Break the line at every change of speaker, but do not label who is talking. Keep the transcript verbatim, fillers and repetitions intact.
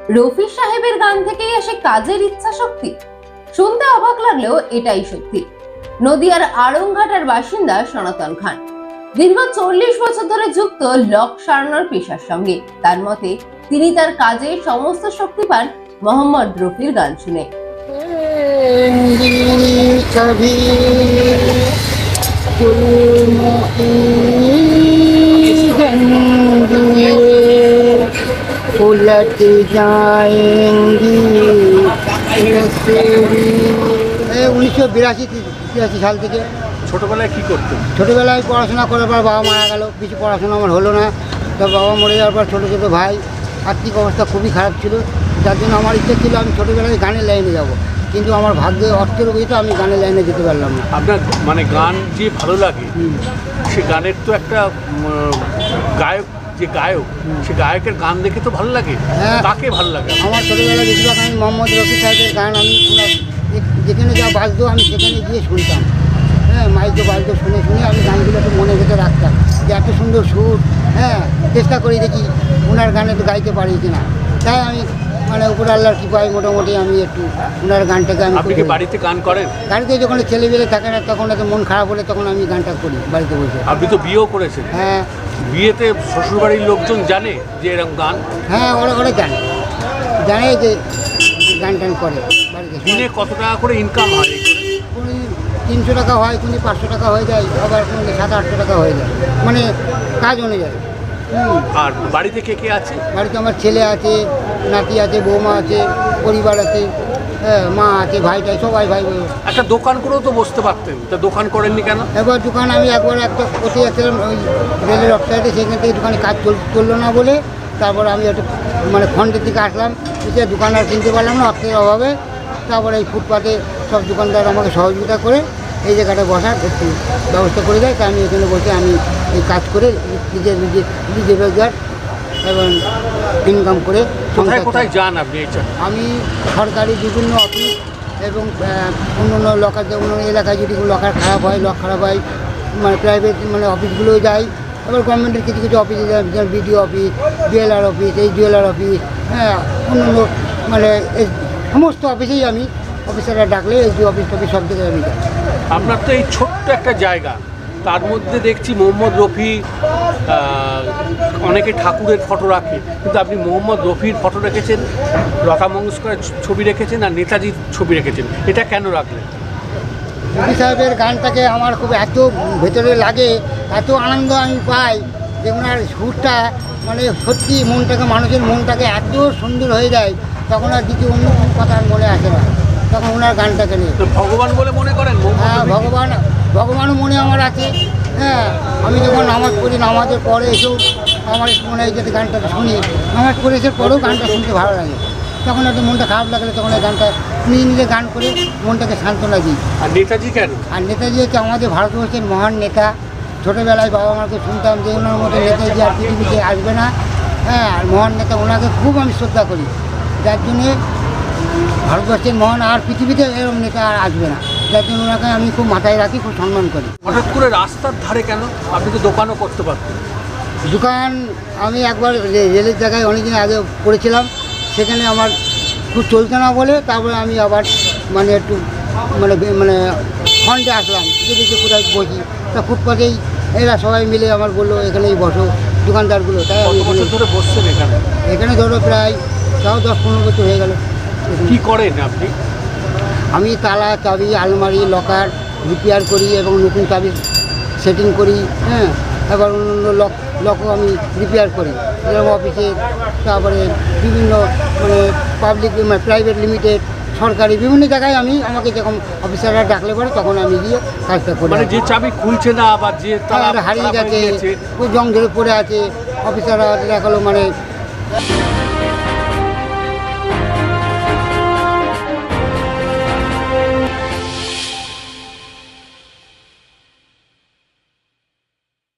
রফি সাহেবের গান থেকেই আসে কাজের ইচ্ছা শক্তি। শুনতে অবাক লাগলেও এটাই সত্যি। নদিয়ার আড়ংঘাটার বাসিন্দা সনাতন খান দীর্ঘ চল্লিশ বছর ধরে যুক্ত লক সারানোর পেশার সঙ্গে। তার মতে তিনি তার কাজে সমস্ত শক্তি পান মোহাম্মদ রফির গান শুনে।
उलट जाएंगी উনিশশো বিরাশি তিরাশি সাল থেকে।
ছোটবেলায় কি করতেন?
ছোটোবেলায় পড়াশোনা করার পর বাবা মারা গেল, কিছু পড়াশোনা আমার হলো না। তো বাবা মরে যাওয়ার পর ছোটো ছোটো ভাই, আর্থিক অবস্থা খুবই খারাপ ছিল, যার জন্য আমার ইচ্ছা ছিল আমি ছোটোবেলায় গানের লাইনে যাব, কিন্তু আমার ভাগ্যে অর্থের বইতে আমি গানের লাইনে যেতে পারলাম না।
আপনার মানে গান যে ভালো লাগে, সে গানের তো একটা গায়ক, যে গায়ক সে গায়কের গান দেখে তো ভালো লাগে।
হ্যাঁ,
তাকে ভালো লাগে।
আমার ছোটোবেলায় বেশিরভাগ আমি মোহাম্মদ রফি সাহেবের গান আমি যেখানে যা বাজতো আমি সেখানে গিয়ে শুনতাম। হ্যাঁ, মাইকে বাজতো, শুনে শুনে আমি গানগুলো একটু মনে ভেতরে রাখতাম যে এত সুন্দর সুর। হ্যাঁ, চেষ্টা করি দেখি ওনার গানে তো গাইতে পারি কিনা। তাই আমি মানে উপর আল্লাহর কৃপায় মোটামুটি আমি একটু ওনার গানটাকে আমি।
আপনি কি বাড়িতে গান করেন?
বাড়িতে যখন ছেলেবেলে থাকে না তখন এত মন খারাপ হলে তখন আমি গানটা করি বাড়িতে বসে।
আপনি তো বিয়েও করেছেন।
হ্যাঁ,
বিয়েতে শ্বশুরবাড়ির লোকজন জানে যে এরকম গান?
হ্যাঁ, ওরা ওরা জানে জানে যে গান টান করে বাড়িতে।
দিনে কত টাকা করে ইনকাম হয়?
কোনো তিনশো টাকা হয়, কোনো পাঁচশো টাকা হয়ে যায়, আবার কোনো সাত আটশো টাকা হয়ে যায়, মানে কাজ অনুযায়ী।
আর বাড়িতে কে কে আছে?
বাড়িতে আমার ছেলে আছে, নাতি আছে, বৌমা আছে, পরিবার আছে, হ্যাঁ, মা আছে, ভাইটাই সবাই ভাই বোন।
একটা দোকান করেও তো বসতে পারতেন, তা দোকান করেননি কেন?
এবার দোকান আমি একবার একটা কোথায় যাচ্ছিলাম ওই রেলের অফসাইডে, সেখান থেকে দোকানে কাজ চল চললো না বলে তারপরে আমি একটু মানে খন্ডের দিকে আসলাম, এসে দোকান আর কিনতে পারলাম না অর্থের অভাবে। তারপরে এই ফুটপাতে সব দোকানদার আমাকে সহযোগিতা করে এই জায়গাটা বসার একটু ব্যবস্থা করে দেয়। তা আমি এখানে বসে আমি এই কাজ করে নিজের নিজের নিজের রোজগার এবং ইনকাম করে।
কোথায় কোথায় যান আপনি?
আমি সরকারি বিভিন্ন অফিস এবং অন্য অন্য লকার, অন্য অন্য এলাকায় যদি লকার খারাপ হয়, লক খারাপ হয়, মানে প্রাইভেট মানে অফিসগুলোও যাই। এবার গভর্নমেন্টের কিছু কিছু অফিসে যাই, যেমন বিডিও অফিস, ডিএলআর অফিস, এই ডিএলআর অফিস, হ্যাঁ, অন্য অন্য মানে এই সমস্ত অফিসেই আমি অফিসাররা ডাকলে এই যে অফিস টফিস সব জায়গায় আমি যাই।
আপনার তো এই ছোট্ট একটা জায়গা, তার মধ্যে দেখছি মোহাম্মদ রফি, অনেকে ঠাকুরের ফটো রাখে, কিন্তু আপনি মোহাম্মদ রফির ফটো রেখেছেন, লতা মঙ্গেশকরের ছবি রেখেছেন, আর নেতাজির ছবি রেখেছেন, এটা কেন রাখলেন?
রফি সাহেবের গানটাকে আমার খুব এত ভেতরে লাগে, এত আনন্দ আমি পাই যে ওনার সুরটা মানে সত্যি মনটাকে, মানুষের মনটাকে এত সুন্দর হয়ে যায়, তখন আর কিছু অন্য কোনো কথা আর মনে আসে না, তখন ওনার গানটাকে নিয়ে।
তো ভগবান বলে মনে করেন?
হ্যাঁ, ভগবান ভগবানও মনে আমার আছে। হ্যাঁ, আমি যখন নামাজ পড়ি, নামাজের পরে এসেও আমার মনে হয় যে গানটা শুনি, নামাজ পড়ে এসে পরেও গানটা শুনতে ভালো লাগে। তখন একটু মনটা খারাপ লাগলে তখন এই গানটা নিজে নিজে গান করে মনটাকে সান্ত্বনা দিই।
আর নেতাজি কেন?
আর নেতাজি হচ্ছে আমাদের ভারতবর্ষের মহান নেতা। ছোটোবেলায় বাবা মাকে শুনতাম যে ওনার মতো নেতাজি আর পৃথিবীতে আসবে না। হ্যাঁ, আর মহান নেতা, ওনাকে খুব আমি শ্রদ্ধা করি, যার জন্যে ভারতবর্ষের মহান আর পৃথিবীতে এরকম নেতা আর আসবে না, যার জন্য ওনাকে আমি খুব মাথায় রাখি, খুব সম্মান করি।
হঠাৎ করে রাস্তার ধারে কেন? আপনি তো দোকানও করতে পারতেন।
দোকান আমি একবার রেলের জায়গায় অনেকদিন আগে করেছিলাম, সেখানে আমার খুব চলছে না বলে তারপরে আমি আবার মানে একটু মানে মানে ফন্ডে আসলাম, যে দেখি কোথায় বসি। তা ফুটপাতেই এরা সবাই মিলে আমার বললো এখানেই বসো, দোকানদারগুলো। তাই আমি
বছর ধরে বসছেন এখানে?
এখানে ধরো প্রায় তাও দশ পনেরো বছর হয়ে গেল।
কী করেন আপনি?
আমি তালা, চাবি, আলমারি, লকার রিপেয়ার করি এবং নতুন চাবি সেটিং করি। হ্যাঁ, এবার অন্য লক লকও আমি রিপেয়ার করি, যেরকম অফিসে, তারপরে বিভিন্ন মানে পাবলিক মানে প্রাইভেট লিমিটেড, সরকারি বিভিন্ন জায়গায় আমি আমাকে যখন অফিসাররা ডাকলে পরে তখন আমি গিয়ে কাজটা করি।
মানে যে চাবি খুলছে না বা যে তালা
হারিয়ে গেছে, ওই জং ধরে পড়ে আছে, অফিসাররা দেখালো মানে